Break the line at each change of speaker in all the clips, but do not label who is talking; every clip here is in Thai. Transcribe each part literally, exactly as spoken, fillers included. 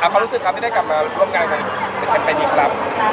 เอาความรู้สึกครับที่ได้กลับมาร่วมงานกันเป็นแคมเปญนี้ครับ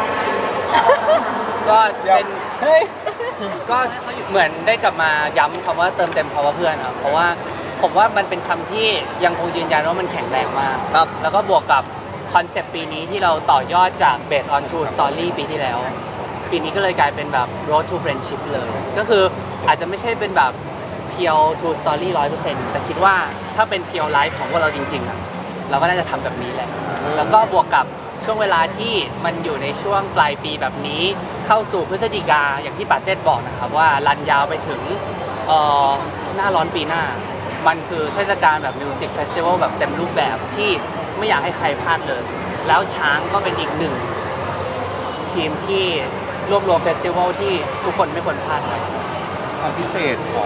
ก็เป็นเฮ้ยก็เหมือนได้กลับมาย้ำคำว่าเติมเต็มเพราะว่าเพื่อนครับเพราะว่าผมว่ามันเป็นคำที่ยังคงยืนยันว่ามันแข็งแรงมากครับแล้วก็บวกกับคอนเซปต์ปีนี้ที่เราต่อยอดจาก based on true story ปีที่แล้วปีนี้ก็เลยกลายเป็นแบบ road to friendship เลยก็คืออาจจะไม่ใช่เป็นแบบเพียว true story ร้อยเปอร์เซ็นต์แต่คิดว่าถ้าเป็นเพียวไลฟ์ของพวกเราจริงๆอ่ะเราก็น่าจะทำแบบนี้แหละแล้วก็บวกกับช่วงเวลาที่มันอยู่ในช่วงปลายปีแบบนี้เข้าสู่พฤศจิกาอย่างที่ปาเต้บอกนะครับว่ารันยาวไปถึงหน้าร้อนปีหน้ามันคือเทศกาลแบบมิวสิกเฟสติวัลแบบเต็มรูปแบบที่ไม่อยากให้ใครพลาดเลยแล้วช้างก็เป็นอีกหนึ่งทีมที่รวบรวมเฟสติวัลที่ทุกคนไม่ควรพลาดครับ
ความพิเศษของ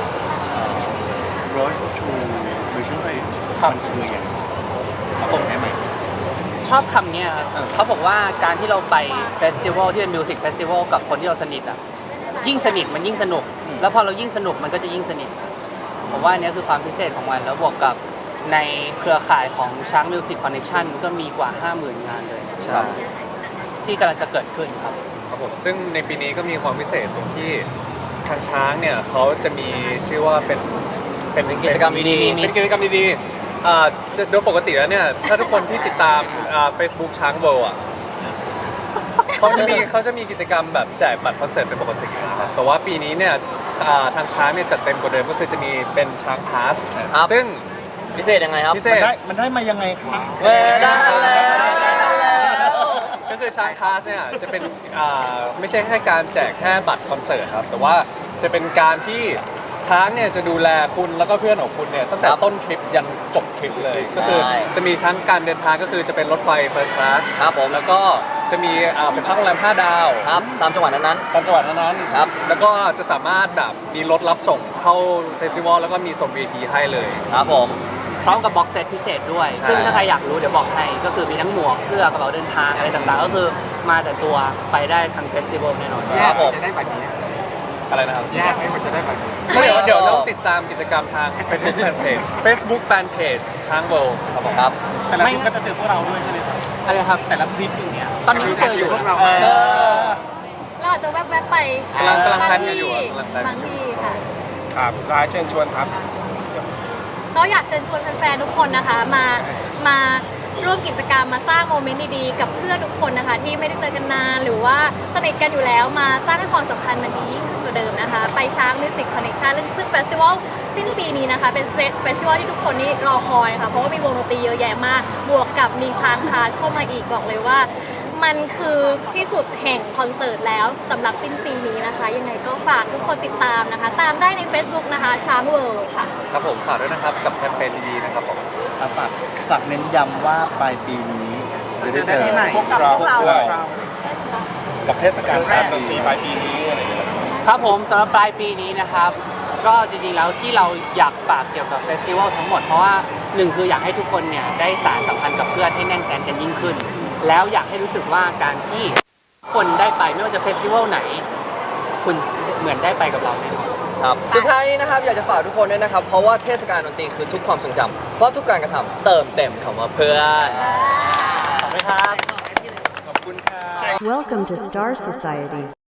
Road to Friendship มันคืออย่างไรผมได้ไหม
ชอบคำนี้ครับเขาบอกว่าการที่เราไปเฟสติวัลที่เป็นมิวสิกเฟสติวัลกับคนที่เราสนิทอ่ะยิ่งสนิทมันยิ่งสนุกแล้วพอเรายิ่งสนุกมันก็จะยิ่งสนิทผมว่านี้คือความพิเศษของมันแล้วบวกกับในเครือข่ายของช้างมิวสิกคอนเนคชั่นก็มีกว่า ห้าหมื่น งานเลยใช่ที่กำลังจะเกิดขึ้นครับ
ครับผมซึ่งในปีนี้ก็มีความพิเศษตรงที่ทางช้างเนี่ยเขาจะมีชื่อว่าเป็น
เป็นกิจกรรมดี
ๆเป็นกิจกรรมดีๆอ่าจะโดยปกติแล้วเนี่ยถ้าทุกคนที่ติดตามอ่า Facebook ช้างเวิลด์อ่ะเขาจะมีเขาจะมีกิจกรรมแบบแจกบัตรคอนเสิร์ตเป็นปกตินะครับแต่ว่าปีนี้เนี่ยทางช้างเนี่ยจัดเต็มกว่าเดิมก็คือจะมีเป็นช้างพาสซึ่ง
พิเศษยังไงครับ
มันได้มันได้มายังไงครับ
เออได้แล้ว
ก็คือช้างพาสเนี่ยจะเป็นไม่ใช่แค่การแจกแค่บัตรคอนเสิร์ตครับแต่ว่าจะเป็นการที่ช้างเนี่ยจะดูแลคุณแล้วก็เพื่อนของคุณเนี่ยตั้งแต่ต้นทริปยันจบทริปเลยก็คือจะมีทั้งการเดินทางก็คือจะเป็นรถไฟ First Class
ครับผม
แล้วก็จะมีเป็นพักโรงแรมห้าดาว
ครับตามจังหวัดนั้น
ๆตามจังหวัดนั้น
ๆครับ
แล้วก็จะสามารถแบบมีรถรับส่งเข้าเฟสติวัลแล้วก็มีส่ง วี ไอ พี ให้เลย
ครับผมพร้อมกับบ็อกเซตพิเศษด้วยซึ่งถ้าใครอยากรู้เดี๋ยวบอกให้ก็คือมีทั้งหมวกเสื้อกระเป๋าเดินทางอะไรต่างๆก็คือมาแต่ตัวไปได้ทั้งเฟสติวัลแน่นอน
ครับผม
จะได้บัตรนี้
อะไรนะครับ
ยากไหมมันจะได้บัตรนี้
เดี๋ยวเดี๋ยวเราติดตามกิจกรรมทางเป็นแฟนเพจ Facebook Fan Page ช้างเวิลด์ครับผม
ครับ
แต่ละทริปก็จะเจอพวกเราด้วยใช่ไหมครับ
อะไรครับ
แต่ละทริปอย่างเงี้ย
ตอนนี้ก็เจออยู่
พวกเรา
เราอาจจะแวบๆไป
กำลังกำลังแพลนกันอยู่
บางที่ค่ะ
ครับร้ายเชิญชวนครับ
ก็อยากเชิญชวนแฟนๆทุกคนนะคะมามาร่วมกิจกรรมมาสร้างโมเมนต์ดีๆกับเพื่อนทุกคนนะคะที่ไม่ได้เจอกันนานหรือว่าสนิทกันอยู่แล้วมาสร้างให้ความสัมพันธ์มันดียิ่งขึ้นกว่าเดิมนะคะไปช้างมิวสิกคอนเนคชั่นซึ่งเฟสติวัลสิ้นปีนี้นะคะเป็นเฟสติวัลที่ทุกคนนี่รอคอยค่ะเพราะว่ามีวงดนตรีเยอะแยะมากบวกกับมีช้างพาสเข้ามาอีกบอกเลยว่ามันคือที่สุดแห่งคอนเสิร์ตแล้วสำหรับสิ้นปีนี้นะคะยังไงก็ฝากทุกคนติดตามนะคะตามได้ใน Facebook นะคะช้างเวิลด์ค่ะ
ครับผมฝากด้วยนะครับกับแคมเปญดีๆนะครับผม
ฝากฝากเน้นย้ำว่าปลายปีนี้จะได้เจอ
พวกเรา
กับเทศกาลปลายปี
ปลายปีนี้อะไรอย่างเงี้ย
ครับผมสำหรับปลายปีนี้นะครับก็จริงๆแล้วที่เราอยากฝากเกี่ยวกับเฟสติวัลทั้งหมดเพราะว่าหนึ่งคืออยากให้ทุกคนเนี่ยได้สานสัมพันธ์กับเพื่อนให้แน่นแฟ้นกันยิ่งขึ้นแล้วอยากให้รู้สึกว่าการที่คนได้ไปไม่ว่าจะเฟสติวัลไหนคุณเหมือนได้ไปกับเราแน่นอน
ครับสุดท้ายนี้นะครับอยากจะฝากทุกคนด้วยนะครับเพราะว่าเทศกาลดนตรีคือทุกความทรงจำเพราะทุกการกระทำเติมเต็มคำว่าเพื่อน
ขอบคุณครับ
ขอบคุณค่ะ
Welcome to Star Society